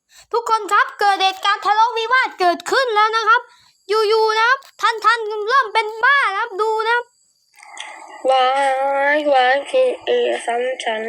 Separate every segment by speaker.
Speaker 1: ทุกคนครับเกิดเหตุการณ์ทะเลาะวิวาทเกิดขึ้นแล้วนะครับ อยู่ๆนะครับท่านเริ่มเป็นบ้านะครับดูนะครับ
Speaker 2: วายพีเอซ้ำฉัน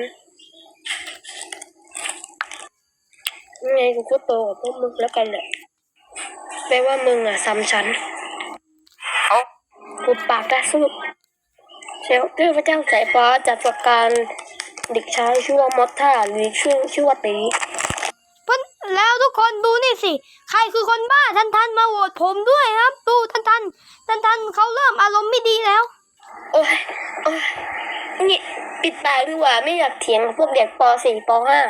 Speaker 2: ไงกูก็โตกับพวกมึงแล้วกันแหละแปลว่ามึงอ่ะซ้ำฉันเอากูปากได้สุดเซลเทพเจ้าสายฟ้าจัดประการเด็กชายชื่อว่ามอสท่าหรือชื่อว่าตี
Speaker 1: แล้วทุกคนดูนี่สิใครคือคนบ้าท่านมาโหวตผมด้วยครับดูท่านเขาเริ่มอารมณ์ไม่ดีแล้ว
Speaker 2: โอ้ยนี่ปิดปากดีกว่าไม่อยากเถียงกับพวกเด็กป .4 ป .5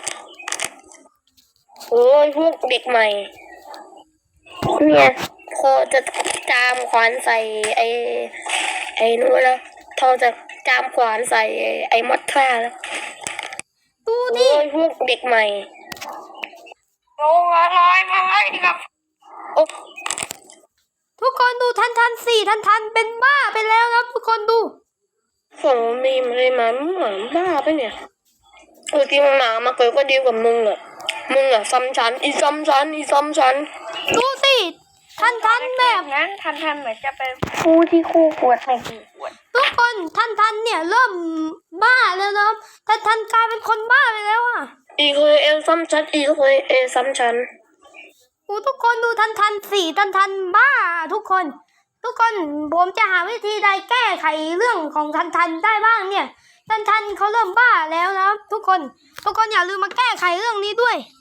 Speaker 2: โอ้ยพวกเด็กใหม่เนี่ยพอจะจามขวานใส่ไอ้นู้นแล้วพอจะจามขวานใส่ไอ้มอสท่าแล้ว
Speaker 1: ดูดิ
Speaker 2: โอ้ยพวกเด็กใหม่โอ้อะไรมาไล่ครับโอ้
Speaker 1: ทุกคนดูท่านสี่ท่านเป็นบ้าไปแล้วครับทุกคนดู
Speaker 2: ผมมีอะไรมาหมาบ้าไปเนี่ยจริงหมามาเกิดก็ดีกว่ามึงอ่ะซ้ำชั้นอีซ้ำชั้น
Speaker 1: ดูสิท่านแบบ
Speaker 2: นั้นท่านเหมือนจะเป็นผู้ที่คู่ควรไม่คู่ควร
Speaker 1: ทุกคนท่านเนี่ยเริ่มบ้าแล้วนะครับท่านกลายเป็นคนบ้าไปแล้วอ่ะ
Speaker 2: อีเคยเอซ้ำชั้นอีเคยเอซ้ำชั้น
Speaker 1: ทุกคนดูท่านสี่ท่านบ้าทุกคนผมจะหาวิธีใดแก้ไขเรื่องของท่านได้บ้างเนี่ยท่านเขาเริ่มบ้าแล้วนะทุกคนอย่าลืมมาแก้ไขเรื่องนี้ด้วย